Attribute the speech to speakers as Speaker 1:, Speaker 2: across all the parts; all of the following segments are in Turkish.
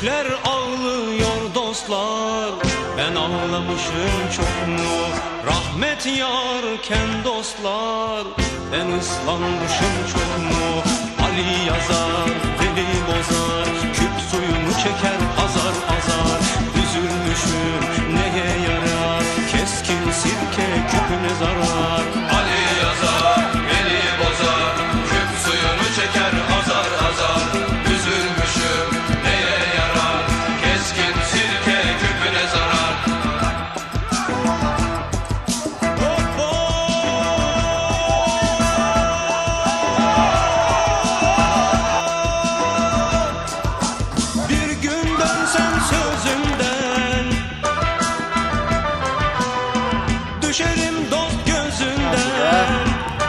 Speaker 1: Büyükler ağlıyor dostlar, ben ağlamışım çok mu? Rahmet yarken dostlar, ben ıslanmışım çok mu? Ali yazar, Veli bozar, küp suyunu çeker azar azar. Üzülmüşüm neye yarar, keskin sirke küpüne zarar. Ali yazar, Veli bozar, küp suyunu çeker azar azar. Üzülmüşüm neye yarar, keskin sirke küpüne zarar. Bir gün dönsem sözümden, düşerim dost gözünden.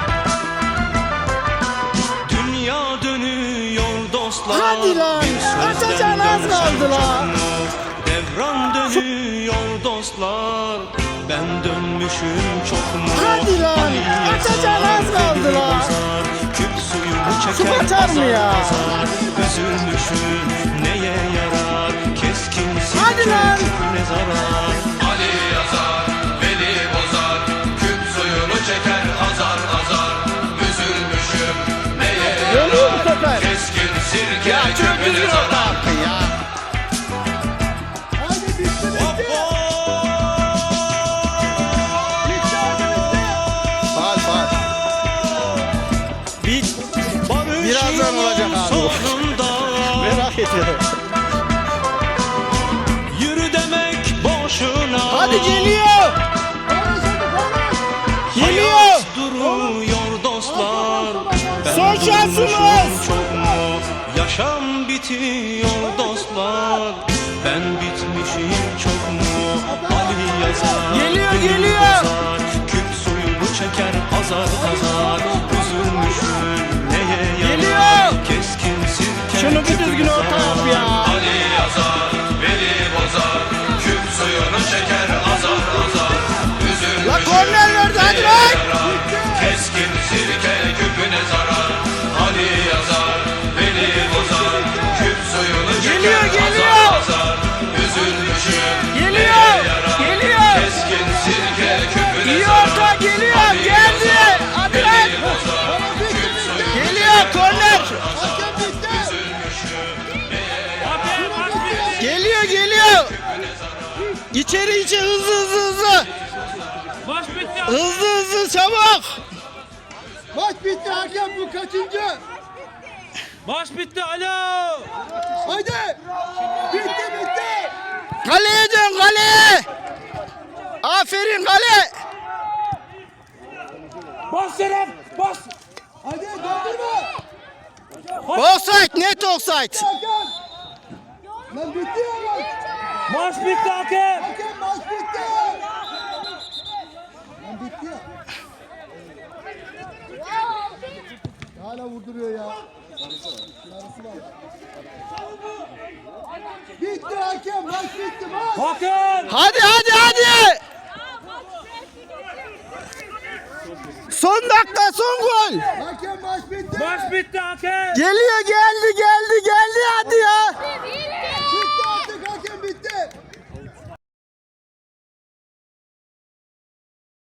Speaker 1: Dünya dönüyor dostlar,
Speaker 2: Hadi lan,
Speaker 1: bir sözden
Speaker 2: açacağın az
Speaker 1: dönsem
Speaker 2: kaldı lan.
Speaker 1: çok mu? Devran dönüyor dostlar, ben dönmüşüm çok mu?
Speaker 2: Hadi lan,
Speaker 1: Ali yazar,
Speaker 2: açacağın az kaldı
Speaker 1: Veli
Speaker 2: lan.
Speaker 1: bozar, küp suyunu
Speaker 2: Su
Speaker 1: çeker
Speaker 2: kaçar mı
Speaker 1: azar
Speaker 2: ya?
Speaker 1: azar. Üzülmüşüm neye yarar, keskin
Speaker 2: Hadi
Speaker 1: sirke
Speaker 2: lan.
Speaker 1: küpüne zarar. Ali yazar, Veli bozar, küp suyunu çeker azar azar. Üzülmüşüm neye
Speaker 2: Dönüyor bu
Speaker 1: yarar,
Speaker 2: sefer.
Speaker 1: keskin sirke küpüne zarar.
Speaker 2: Hadi bitti bitti. Fal fal. Birazdan olacak abi.
Speaker 1: Sonunda
Speaker 2: Merak etme.
Speaker 1: yürü demek boşuna.
Speaker 2: Hadi geliyor. Geliyor.
Speaker 1: Hayat duruyor dostlar. Ben
Speaker 2: Son
Speaker 1: durmuşum
Speaker 2: şansımız.
Speaker 1: çok mu? Yaşam bitiyor dostlar, ben bitmişim çok mu? Ali yazar,
Speaker 2: Geliyor,
Speaker 1: Veli
Speaker 2: geliyor.
Speaker 1: bozar, küp suyunu çeker azar azar. Üzülmüşüm neye yarar,
Speaker 2: Geliyor.
Speaker 1: keskin sirke
Speaker 2: Şunu bir düzgün
Speaker 1: küpüne
Speaker 2: orta yap
Speaker 1: zarar.
Speaker 2: ya.
Speaker 1: Ali yazar, Veli bozar, küp suyunu çeker azar azar. Üzülmüşüm
Speaker 2: La korner verdi, hadi
Speaker 1: neye
Speaker 2: lan.
Speaker 1: yarar, keskin sirke küpüne zarar. Ali yazar, Veli bozar, küp suyunu çeker
Speaker 2: Geliyor, geliyor.
Speaker 1: azar azar. Üzülmüşüm
Speaker 2: Geliyor,
Speaker 1: neye yarar,
Speaker 2: geliyor.
Speaker 1: keskin sirke küpüne
Speaker 2: İyi
Speaker 1: zarar.
Speaker 2: orta geliyor,
Speaker 1: Ali
Speaker 2: geldi.
Speaker 1: yazar,
Speaker 2: Hadi
Speaker 1: Veli
Speaker 2: lan.
Speaker 1: bozar, küp suyunu
Speaker 2: Geliyor, korner.
Speaker 1: üzülmüşüm
Speaker 2: Geliyor geliyor. İçeri içe hızlı hızlı hızlı.
Speaker 3: Maç bitti.
Speaker 2: Hızlı hızlı çabuk.
Speaker 4: Maç bitti hakem, bu kaçıncı?
Speaker 3: Maç bitti. Alo.
Speaker 4: Haydi! Bitti bitti!
Speaker 2: Kaleye dön kaleye. Aferin kale.
Speaker 3: Bas Serap. Bas.
Speaker 4: Haydi döndürme!
Speaker 2: Offside, net offside.
Speaker 4: Hakem! Lan bitti ya maç!
Speaker 3: Maç bitti hakem.
Speaker 4: Hakem maç bitti! Lan bitti ya! Hala vurduruyor ya. Yarısı var. Bitti hakem, maç bitti maç!
Speaker 3: Hakem.
Speaker 2: Hadi hadi hadi. Son dakika son gol.
Speaker 4: Hakem maç bitti!
Speaker 3: Maç bitti hakem.
Speaker 2: Geliyor geldi geldi.